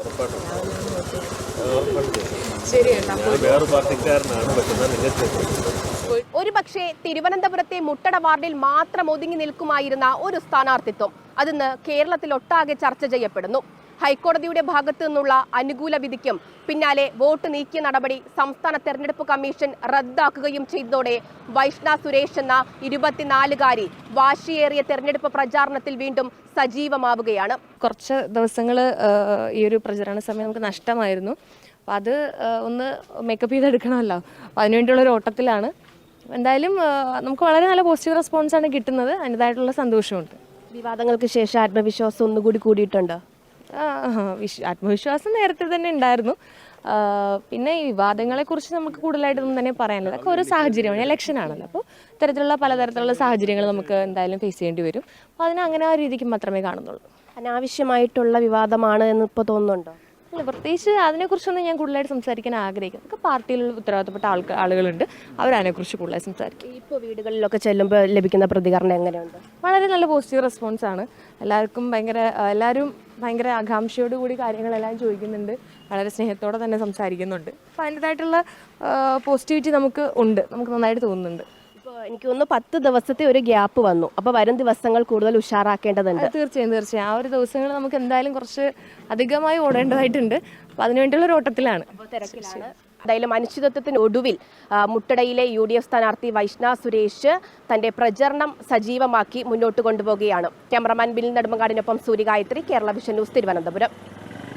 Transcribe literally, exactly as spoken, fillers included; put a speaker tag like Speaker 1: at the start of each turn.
Speaker 1: ഒരു പക്ഷേ തിരുവനന്തപുരത്തെ മുട്ടട വാർഡിൽ മാത്രം ഒതുങ്ങി നിൽക്കുമായിരുന്ന ഒരു സ്ഥാനാർത്ഥിത്വം അതിന്ന് കേരളത്തിലൊട്ടാകെ ചർച്ച ചെയ്യപ്പെടുന്നു. ഹൈക്കോടതിയുടെ ഭാഗത്തു നിന്നുള്ള അനുകൂല വിധിക്കും പിന്നാലെ വോട്ട് നീക്കിയ നടപടി സംസ്ഥാന തെരഞ്ഞെടുപ്പ് കമ്മീഷൻ റദ്ദാക്കുകയും ചെയ്തതോടെ വൈഷ്ണ സുരേഷ് എന്ന ഇരുപത്തിനാലുകാരി വാശിയേറിയ തെരഞ്ഞെടുപ്പ് പ്രചാരണത്തിൽ വീണ്ടും സജീവമാവുകയാണ്.
Speaker 2: കുറച്ച് ദിവസങ്ങൾ ഈ ഒരു പ്രചരണ സമയം നമുക്ക് നഷ്ടമായിരുന്നു. അപ്പം അത് ഒന്ന് മേക്കപ്പ് ചെയ്തെടുക്കണമല്ലോ. അപ്പം അതിനുവേണ്ടിയുള്ളൊരു ഓട്ടത്തിലാണ്. എന്തായാലും നമുക്ക് വളരെ നല്ല പോസിറ്റീവ് റെസ്പോൺസാണ് കിട്ടുന്നത്. അതിൻ്റെതായിട്ടുള്ള സന്തോഷമുണ്ട്.
Speaker 1: വിവാദങ്ങൾക്ക് ശേഷം ആത്മവിശ്വാസം ഒന്നുകൂടി കൂടിയിട്ടുണ്ട്.
Speaker 2: വിശ്വ ആത്മവിശ്വാസം നേരത്തെ തന്നെ ഉണ്ടായിരുന്നു. പിന്നെ ഈ വിവാദങ്ങളെക്കുറിച്ച് നമുക്ക് കൂടുതലായിട്ടൊന്നും തന്നെ പറയാനില്ല. അതൊക്കെ ഓരോ സാഹചര്യമാണ്. ഇലക്ഷൻ ആണല്ലോ. അപ്പോൾ ഇത്തരത്തിലുള്ള പലതരത്തിലുള്ള സാഹചര്യങ്ങൾ നമുക്ക് എന്തായാലും ഫേസ് ചെയ്യേണ്ടി വരും. അപ്പോൾ അതിന് അങ്ങനെ ആ രീതിക്ക് മാത്രമേ കാണുന്നുള്ളൂ.
Speaker 1: അനാവശ്യമായിട്ടുള്ള വിവാദമാണ് എന്ന് ഇപ്പോൾ തോന്നുന്നുണ്ടോ?
Speaker 2: അല്ല, പ്രത്യേകിച്ച് അതിനെക്കുറിച്ചൊന്നും ഞാൻ കൂടുതലായിട്ട് സംസാരിക്കാൻ ആഗ്രഹിക്കുന്നു. നമുക്ക് പാർട്ടിയിലുള്ള ഉത്തരവാദിത്തപ്പെട്ട ആൾ ആളുകളുണ്ട്, അവരതിനെക്കുറിച്ച് കൂടുതലായി സംസാരിക്കും.
Speaker 1: ഇപ്പോൾ വീടുകളിലൊക്കെ ചെല്ലുമ്പോൾ ലഭിക്കുന്ന പ്രതികരണം എങ്ങനെയുണ്ട്?
Speaker 2: വളരെ നല്ല പോസിറ്റീവ് റെസ്പോൺസാണ്. എല്ലാവർക്കും ഭയങ്കര എല്ലാവരും ഭയങ്കര ആകാംക്ഷയോട് കൂടി കാര്യങ്ങളെല്ലാം ചോദിക്കുന്നുണ്ട്. വളരെ സ്നേഹത്തോടെ തന്നെ സംസാരിക്കുന്നുണ്ട്. അപ്പോൾ അതിൻ്റെതായിട്ടുള്ള പോസിറ്റിവിറ്റി നമുക്ക് ഉണ്ട്, നമുക്ക് നന്നായിട്ട് തോന്നുന്നുണ്ട്.
Speaker 1: ഇപ്പോൾ എനിക്ക് തോന്നുന്നു പത്ത് ദിവസത്തെ ഒരു ഗ്യാപ്പ് വന്നു. അപ്പോൾ വരും ദിവസങ്ങൾ കൂടുതൽ ഉഷാറാക്കേണ്ടതുണ്ട്.
Speaker 2: തീർച്ചയായും തീർച്ചയായും ആ ഒരു ദിവസങ്ങൾ നമുക്ക് എന്തായാലും കുറച്ച് അധികമായി ഓടേണ്ടതായിട്ടുണ്ട്. അപ്പോൾ അതിനുവേണ്ടിയുള്ള ഒരു ഓട്ടത്തിലാണ്.
Speaker 1: തിരക്കിലാണ്. എന്തായാലും അനിശ്ചിതത്വത്തിന് ഒടുവിൽ മുട്ടടയിലെ യു ഡി എഫ് സ്ഥാനാർത്ഥി വൈഷ്ണ സുരേഷ് തന്റെ പ്രചരണം സജീവമാക്കി മുന്നോട്ട് കൊണ്ടുപോവുകയാണ്. ക്യാമറമാൻ ബിൽ നെടുമങ്ങാടിനൊപ്പം സൂര്യഗായത്രി, കേരള വിഷൻ ന്യൂസ്, തിരുവനന്തപുരം.